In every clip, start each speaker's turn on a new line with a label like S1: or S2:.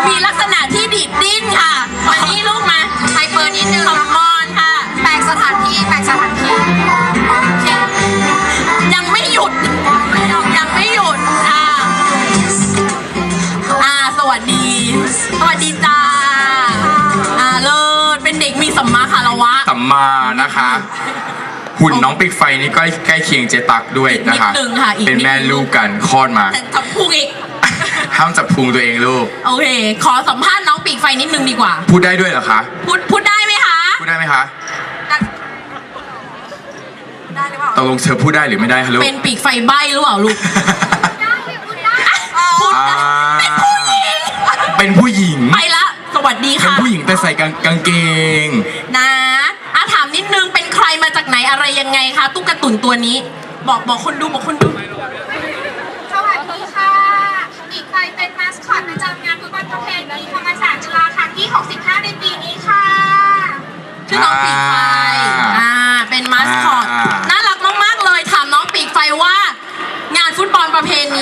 S1: มีลักษณะที่ดิดดิ้นค่ะมานี่ลูกมาไฮเปอร์นิดนึงคอมมอนค่ะแปลกสถานที่ยังไม่หยุดสวัสดีจ้าเลิศเป็นเด็กมีสัมมาคารวะ
S2: สัมมานะคะหุ่นน้องปิกไฟนี่ก็ใกล้เคียงเจตักด้วยนะคะเป็นแม่ลูกกันคลอดมา
S1: แต่จับพุงอีก
S2: ห้ามจับพุงตัวเองลูก
S1: โอเคขอสัมภาษณ์น้องปีกไฟนิดนึงดีกว่า
S2: พูดได้ด้วยเหรอคะ
S1: พูดได้ไหมคะ
S2: พูดได้ไหมคะตกลงเธอพูดได้หรือไม่ได้คะลูก
S1: เป็นปีกไฟใบ้หรือเปล่าลูก
S2: เป็นผู้หญิง
S1: ไปละสวัสดีค่ะ
S2: เป็นผู้หญิงแต่ใส่กางเกง
S1: นะถามนิดนึงเป็นใครมาจากไหนอะไรยังไงคะตุ๊กตุ่นตัวนี้บอกคนดู
S3: สวัสดีค่ะปีกไฟเป็นมาสคอตประจำงานฟุตบอลประเพณีธรรมศาสตร์จุฬาครั้งที่65ในปีนี้ค่ะ
S1: ชื่อน้องปีกไฟเป็นมาสคอตน่ารักมากๆเลยถามน้องปีกไฟว่างานฟุตบอลประเพณี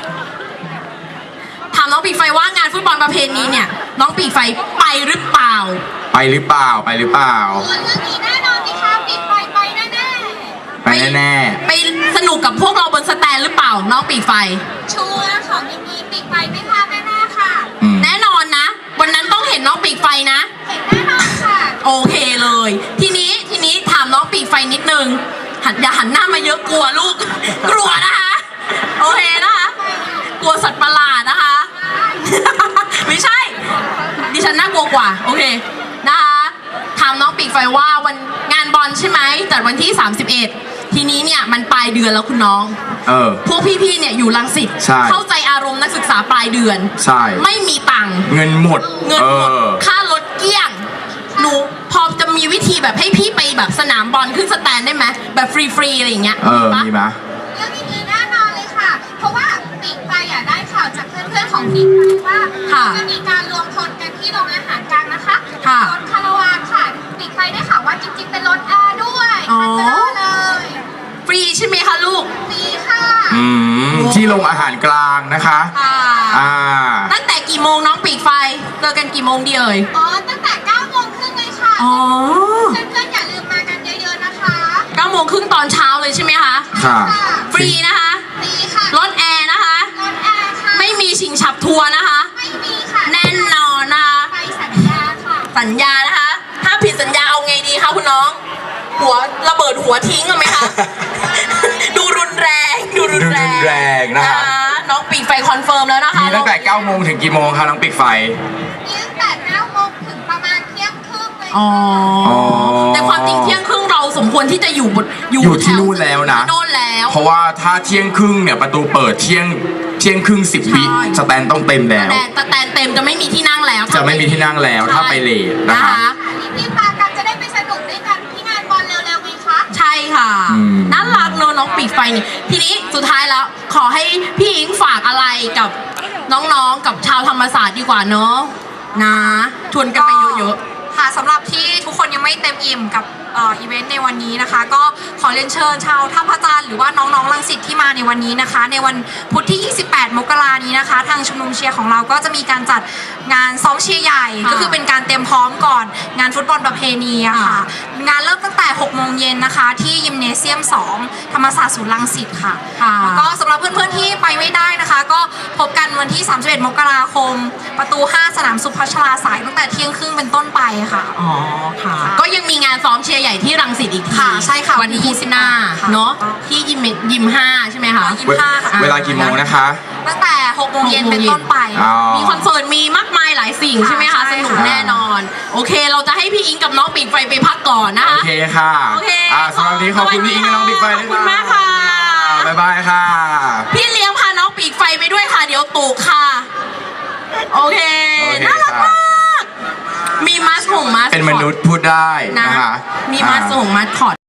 S1: น้องปีกไฟว่างานฟุตบอลประเพณีเนี่ยน้องปีกไฟไปหรือเปล่า
S2: ไปหรือเปล่า
S3: เรื่องนี้แน่นอนสิคะปีกไฟไปแน่
S1: ไปสนุกกับพวกเราบนสแตนหรือเปล่าน้องปีกไฟ
S3: ชัวร์ของอย่างนี้ปีกไฟไม่พลาดแน่ๆค่ะ
S1: แน่นอนนะวันนั้นต้องเห็นน้องปีกไฟนะ
S3: เห็นแน่นอนค่ะ
S1: โอเคเลยทีนี้ถามน้องปีกไฟนิดนึงอย่าหันหน้ามาเยอะกลัวลูกกลัวนะคะโอเคนะคะกลัวสัตว์ประหลาดนะคะไม่ใช่ดิฉันน่ากลัวกว่าโอเคนะคะถามน้องปีกไฟว่าวันงานบอลใช่ไหมจัดวันที่31ทีนี้เนี่ยมันปลายเดือนแล้วคุณน้องพวกพี่ๆเนี่ยอยู่รังสิตเข้าใจอารมณ์นักศึกษาปลายเดือน
S2: ใช่
S1: ไม่มีตังค์
S2: เงินหมด
S1: ค่ารถเกลี้ยงหนูพอจะมีวิธีแบบให้พี่ไปแบบสนามบอลขึ้นสแตนได้ไหมแบบฟรีๆอะไรอย่างเงี้ย
S2: มีไหม
S3: เรื่องนี้แน่นอนเลยค่ะเพราะว่าปีกไฟได้ข่าวจากเพื่อนๆของปีกไฟว่าจะมีการรวมพลกันที่โรงอาหารกลางนะคะรถคาราวานค่ะปีกไฟได้ข่าวว่าจริงๆเป็นรถแอร์ด้วยเลย
S1: ฟรีใช่ไหมคะลูก
S3: ฟรีค่ะ
S2: ที่โรงอาหารกลางนะคะ
S1: ตั้งแต่กี่โมงน้องปีกไฟเจอกันกี่โมงดีเอ่ย
S3: ตั้งแต่9 โมงครึ่งเลยค่ะเพื่อนๆอย่าลืมมากันเยอะๆนะคะ
S1: 9 โมงครึ่งตอนเช้าเลยใช่ไหมคะ
S2: ค่ะ
S1: ฟรีนะคะ
S3: ฟรีค่ะ
S1: รถแอร์นะคะ
S3: รถแอร์ค่ะ
S1: ไม่มีชิงฉับทัวร์นะคะ
S3: ไม่มีค่ะ
S1: แน่นอนนะคะ
S3: ไปสัญญาค่ะ
S1: สัญญานะคะถ้าผิดสัญญาเอาไงดีคะคุณน้องหัวระเบิดหัวทิ้งเอาไหมคะดูรุนแรง
S2: นะคะ
S1: น้องปีกไฟคอนเฟิร์มแล้วนะคะ
S2: มีตั้งแต่9 โมงถึงกี่โมงคะน้องปีกไฟ
S3: มีตั้งแต่9 โมงถึงประมาณเที่ยงครึ่งเลย
S1: แต่ความจริงเที่ยงครึ่งเราสมควรที่จะอยู่
S2: ที่นู่นแล้วนะเพราะว่าถ้าเที่ยงครึ่งเนี่ยประตูเปิดเที่ยงครึ่ง10 วิสแตนต้องเต็มแล้ว
S1: สแตนเต็มจะไม่มีที่นั่งแล้ว
S2: จะไม่มีที่นั่งแล้วถ้าไปเลทนะคะ
S3: รีบมากันจะได้ไปสนุกด้วยกันที่งานบอลเร็วๆไหมคะ
S1: ใช่ค่ะน่ารักเนอะน้องปีกไฟนี่ทีนี้สุดท้ายแล้วขอให้พี่อิงฝากอะไรกับน้องๆกับชาวธรรมศาสตร์ดีกว่าเนอะนะชวนกันไปเยอะ
S4: ๆค่ะสำหรับที่ทุกคนยังไม่เต็มอิ่มกับอีเวนต์ในวันนี้นะคะก็ขอเรียนเชิญชาวท่าพระจันทร์หรือว่าน้องๆรังสิตที่มาในวันนี้นะคะในวันพุธที่28 มกราคมนี้นะคะทางชุมนุมเชียร์ของเราก็จะมีการจัดงานซ้อมเชียร์ใหญ่ก็คือเป็นการเตรียมพร้อมก่อนงานฟุตบอลประเพณีอะค่ะงานเริ่มตั้งแต่6 โมงเย็นนะคะที่ยิมเนเซียม2ธรรมศาสตร์ศูนย์รังสิตค่ะแล้วก็สำหรับเพื่อนๆที่ไปไม่ได้นะคะก็พบกันวันที่31 มกราคมประตู 5 สนามสุพัชราสายตั้งแต่เที่ยงครึ่งเป็นต้นไปค่ะ
S1: ค่ะก็ยังมีงานซ้อมเชียร์ใหญ่ที่รังสิตอีกที
S4: ใช่ค่ะ
S1: วันที่25เนาะที่ยิม5ใช่ไหมคะ
S2: เวลากี่โมงนะคะ
S4: ตั้งแต่6 โมงเย็นเป็นต้นไป
S1: มีคอนเสิร์ตมีมากมายหลายสิ่งใช่ไหมคะสนุกแน่นอนโอเคเราจะให้พี่อิงกับน้องปีกไฟไปพักก่อนนะคะ
S2: โอเคค่ะสำหรับวันนี้ขอบคุณพี่อิงกับน้องปีกไฟด้วย
S1: ขอบคุณมากค่ะ
S2: บ๊ายบายค่ะ
S1: พี่เลี้ยงพาน้องปีกไฟไปด้วยค่ะเดี๋ยวตกค่ะโอเคน่ารักมากมีมัสของมัส
S2: เป็นมนุษย์พูดได้นะคะ
S1: มีมัสของมัสคอต